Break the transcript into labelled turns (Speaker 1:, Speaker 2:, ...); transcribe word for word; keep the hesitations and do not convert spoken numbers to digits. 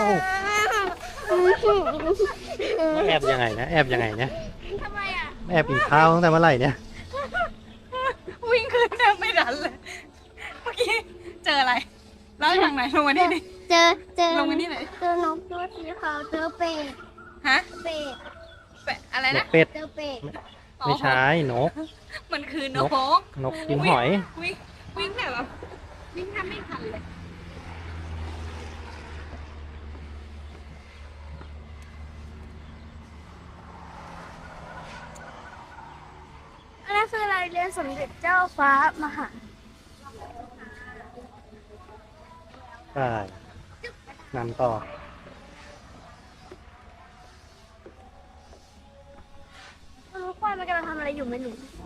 Speaker 1: แอบยังไงนะแอบยังไงเนี่ย
Speaker 2: ทำไมอ่ะ
Speaker 1: แอบกินข้าวตั้งแต่เมื่อไหร่เนี่ย
Speaker 2: วิ่งขึ้นแทบไม่ทันเลย เมื่อกี้เจออะไรเล่าให้ฟังหน่อยลงมานี่ดิ
Speaker 3: เจอเจอ
Speaker 2: ลงมานี่ไหนอย
Speaker 3: เจอนกตัวสีขาวเจอเป็ด
Speaker 2: ฮะ
Speaker 3: เป็ด
Speaker 2: แปะอะไร
Speaker 1: น
Speaker 2: นะ
Speaker 1: กเป็ด
Speaker 3: เจอเป็ด
Speaker 1: ไม่ใช่นก
Speaker 2: มันคือนก
Speaker 1: นกกินหอย
Speaker 2: วิ่งวิ่งแบบวิ่งแทบไม่ทันเลย
Speaker 3: อันนั้นคืออะไรเรียนสมเด็จเจ้าฟ้ามหา
Speaker 1: ใช่นำต่อ
Speaker 3: ไม่รู้ว่ามันกำลังทำอะไรอยู่ไม่รู้